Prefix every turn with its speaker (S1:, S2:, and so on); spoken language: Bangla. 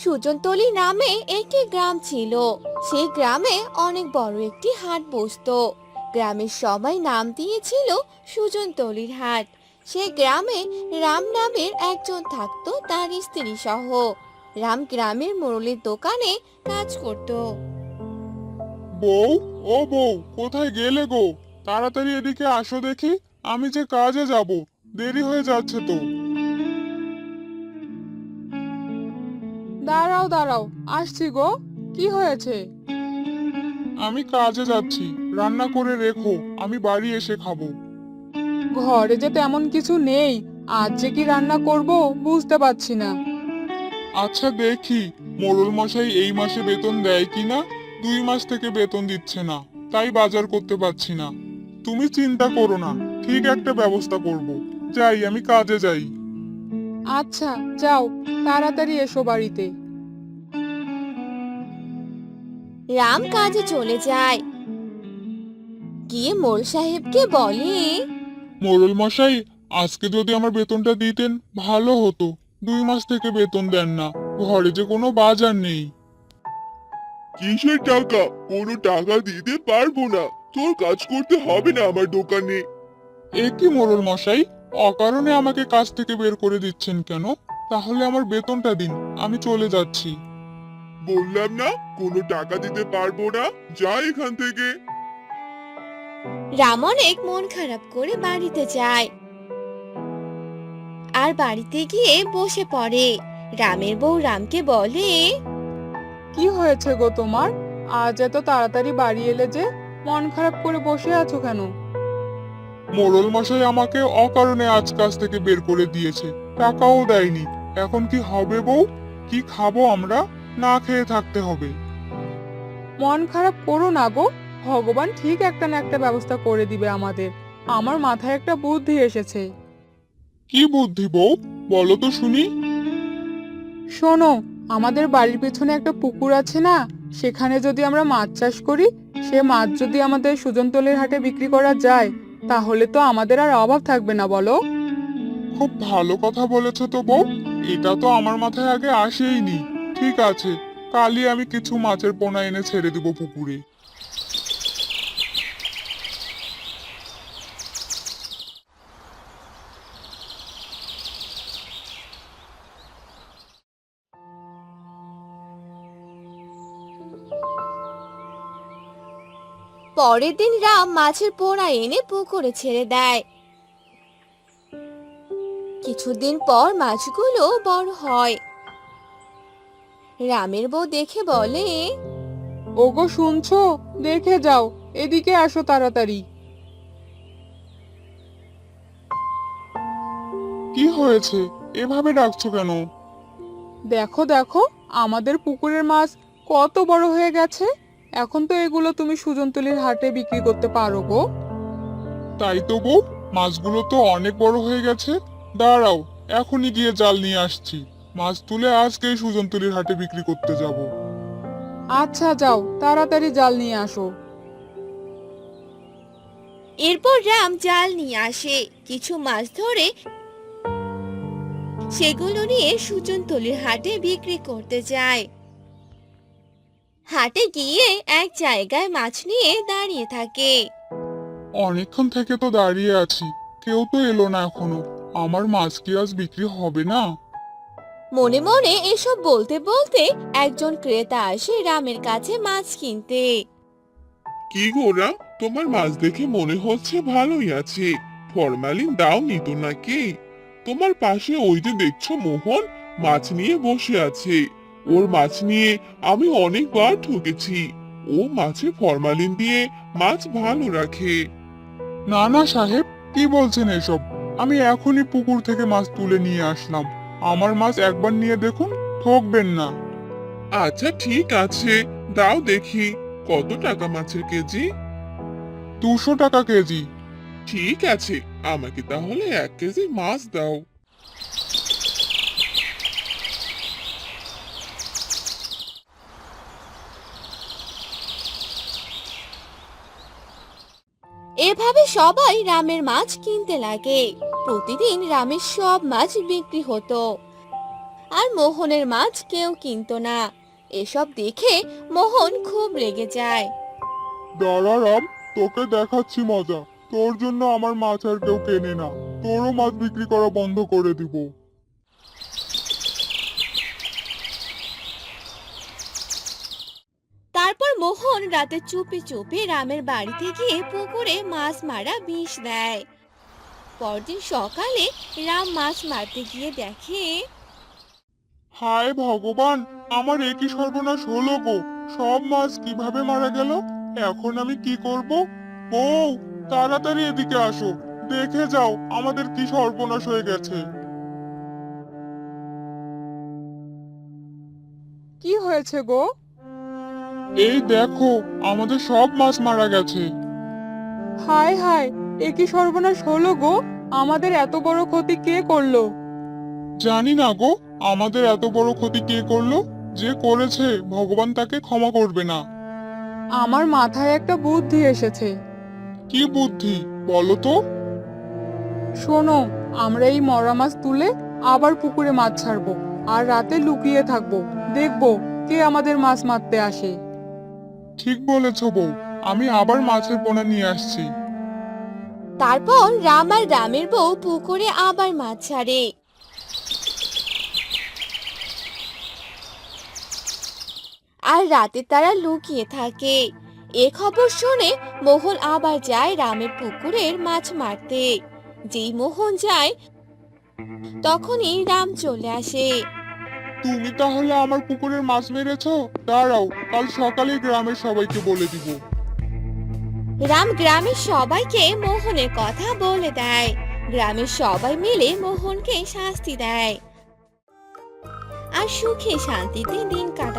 S1: সুজনতলি নামে একটি গ্রাম ছিল। সেই গ্রামে অনেক বড় একটি হাট বসতো। গ্রামের সবাই নাম দিয়েছিল সুজনতলির হাট। সেই গ্রামে রাম নামের একজন থাকতো, তার স্ত্রী সহ। রাম গ্রামের মোড়লের দোকানে কাজ করত।
S2: বউ, ও বউ, কোথায় গেলে গো? তাড়াতাড়ি এদিকে আসো দেখি। আমি যে কাজে যাব, দেরি হয়ে যাচ্ছে তো।
S3: দাঁড়াও দাঁড়াও, আসছি গো। কি হয়েছে?
S2: আমি কাজে যাচ্ছি, রান্না করে রেখো, আমি বাড়ি এসে খাবো।
S3: ঘরে যে তেমন কিছু নেই, আজ যে কি রান্না করব বুঝতে পারছি না।
S2: আচ্ছা দেখি, মোড়ল মশাই এই মাসে বেতন দেয় কিনা। 2 মাস থেকে বেতন দিচ্ছে না, তাই বাজার করতে পারছি না। তুমি চিন্তা করো না, ঠিক একটা ব্যবস্থা করব। যাই, আমি কাজে যাই।
S3: আচ্ছা, যাও, তাড়াতাড়ি এসো বাড়িতে।
S1: রাম কাজে চলে যায়, গিয়ে মোড়ল সাহেবকে বলে,
S2: মোড়ল মশাই, আজকে যদি আমার বেতনটা দিতেন ভালো হতো। 2 মাস থেকে বেতন দেন না, ঘরে যে কোনো বাজার নেই।
S4: কিসের টাকা? কোনো টাকা দিতে পারবো না। তোর কাজ করতে হবে না আমার দোকানে।
S2: এ কি মোড়ল মশাই, অকারণে আমাকে কাজ থেকে বের করে দিচ্ছেন কেন? তাহলে আমার বেতনটা দিন, আমি চলে যাচ্ছি।
S4: বললাম না কোনো টাকা দিতে পারবো না। যা এখান থেকে।
S1: রাম অনেক মন খারাপ করে বাড়িতে যায় আর বাড়িতে গিয়ে বসে পড়ে। রামের বউ রামকে বলে,
S3: কি হয়েছে গো তোমার? আজ এত তাড়াতাড়ি বাড়ি এলে যে? মন খারাপ করে বসে আছো কেন?
S2: মোড়ল মশাই আমাকে অকারণে আজ কাজ থেকে বের করে দিয়েছে, টাকাও দেয়নি। এখন কি হবে বউ? কি খাবো আমরা? না খেয়ে থাকতে হবে।
S3: মন খারাপ করো না গো, ভগবান ঠিক একটা না একটা ব্যবস্থা করে দিবে আমাদের। আমার মাথায় একটা বুদ্ধি এসেছে।
S2: কি বুদ্ধি বউ, বলো তো শুনি।
S3: শোনো, আমাদের বাড়ির পেছনে একটা পুকুর আছে না, সেখানে যদি আমরা মাছ চাষ করি, সে মাছ যদি আমাদের সুজনতলের হাটে বিক্রি করা যায়, তাহলে তো আমাদের আর অভাব থাকবে না, বলো?
S2: খুব ভালো কথা বলেছো তো বউ, এটা তো আমার মাথায় আগে আসেইনি। ঠিক আছে, কালই আমি কিছু মাছের পোনা এনে ছেড়ে দিব পুকুরে।
S1: পরের দিন রাম মাছের পোনা এনে পুকুরে ছেড়ে দেয়। কিছুদিন পর মাছগুলো বড় হয়। রামের বউ দেখে বলে,
S3: ওগো শুনছো? দেখে যাও, এদিকে আসো তাড়াতাড়ি।
S2: কি হয়েছে, এভাবে ডাকছো কেন?
S3: দেখো দেখো, আমাদের পুকুরের মাছ কত বড় হয়ে গেছে। এখন তো এগুলো তুমি সুজনতলির হাটে বিক্রি করতে পারো গো।
S2: তাই তো বউ, মাছগুলো তো অনেক বড় হয়ে গেছে। দাঁড়াও, এখনই গিয়ে জাল নিয়ে আসছি। মাছ তুলে আজকেই সুজনতুলির হাটে বিক্রি করতে যাব।
S3: আচ্ছা, যাও, তাড়াতাড়ি জাল নিয়ে আসো।
S1: এরপর রাম জাল নিয়ে আসে, কিছু মাছ ধরে সেগুলো নিয়ে সুজনতলির হাটে বিক্রি করতে যায়। হাটে গিয়ে এক জায়গায় মাছ নিয়ে দাঁড়িয়ে থাকে।
S2: অনেকক্ষণ থেকে তো দাঁড়িয়ে আছি, কেউ তো এলো না এখনো। আমার মাছ কি আজ বিক্রি হবে না?
S1: মনে মনে এসব বলতে বলতে একজন ক্রেতা আসে রামের কাছে মাছ কিনতে।
S4: কি গোরা, তোমার মাছ দেখে মনে হচ্ছে ভালোই আছে। ফরমালিন দাওনি তো নাকি? তোমার পাশে ওই যে দেখছো মোহন, মাছ নিয়ে বসে আছে। ওর মাছ নিয়ে আমি অনেকবার ঠকেছি। ও মাছে ফরমালিন দিয়ে মাছ ভালো রাখে।
S2: না না সাহেব, কি বলছেন এসব? আমি এখনই পুকুর থেকে মাছ তুলে নিয়ে আসলাম। আমার মাছ একবার নিয়ে দেখুন, ঠকবেন না।
S4: আচ্ছা ঠিক আছে, দাও দেখি কত টাকা মাছের কেজি।
S2: 200 টাকা কেজি।
S4: ঠিক আছে, আমাকে তাহলে 1 কেজি মাছ দাও।
S1: এভাবে সবাই রামের মাছ কিনতে লাগে। প্রতিদিন রামের সব মাছ বিক্রি হতো। আর মোহনের মাছ কেউ কিনতো না। এসব দেখে মোহন খুব রেগে যায়।
S2: দাঁড়া রাম, তোকে দেখাচ্ছি মজা। তোর জন্য আমার মাছ আর কেউ কেনে না, তোরও মাছ বিক্রি করা বন্ধ করে দিব।
S1: তারপর মোহন রাতে চুপি চুপি রামের বাড়িতে গিয়ে পুকুরে মাছ মারা বিষ দেয়। পরদিন সকালে রাম মাছ মারতে গিয়ে দেখে
S2: হায় ভগবান, আমার একই সর্বনাশ হলো গো। সব মাছ কিভাবে মারা গেল? এখন আমি কি করব? বউ, তাড়াতাড়ি এদিকে আসো, দেখে যাও আমাদের কি সর্বনাশ হয়ে গেছে।
S3: কি হয়েছে গো?
S2: এই দেখো, আমাদের সব মাছ মারা গেছে।
S3: হায় হায়, এ কি সর্বনাশ হলো গো! আমাদের এত বড় ক্ষতি কে করলো?
S2: জানি না গো, আমাদের এত বড় ক্ষতি কে করলো। যে করেছে ভগবান তাকে ক্ষমা করবে না।
S3: আমার মাথায় একটা বুদ্ধি এসেছে।
S2: কি বুদ্ধি বলো তো?
S3: শোনো, আমরা এই মরা মাছ তুলে আবার পুকুরে মাছ ছাড়বো, আর রাতে লুকিয়ে থাকবো, দেখবো কে আমাদের মাছ মারতে আসে।
S2: ঠিক বলেছ বউ, আমি আবার মাছের পোনা নিয়ে আসছি।
S1: তারপর রাম আর রামের বউ পুকুরে আবার মাছ ছাড়ে। আর রাতে তারা লুকিয়ে থাকে। এ খবর শুনে মোহন আবার যায় রামের পুকুরের মাছ মারতে। যেই মোহন যায় তখনই রাম চলে আসে।
S2: তুমি তাহলে আমার পুকুরের মাছ মেরেছো? দাঁড়াও, কাল সকালে গ্রামের সবাইকে বলে দিব।
S1: রাম গ্রামের সবাইকে মোহনের কথা বলে দেয়। গ্রামের সবাই মিলে মোহনকে শাস্তি দেয় আর সুখে শান্তিতে দিন কাটে।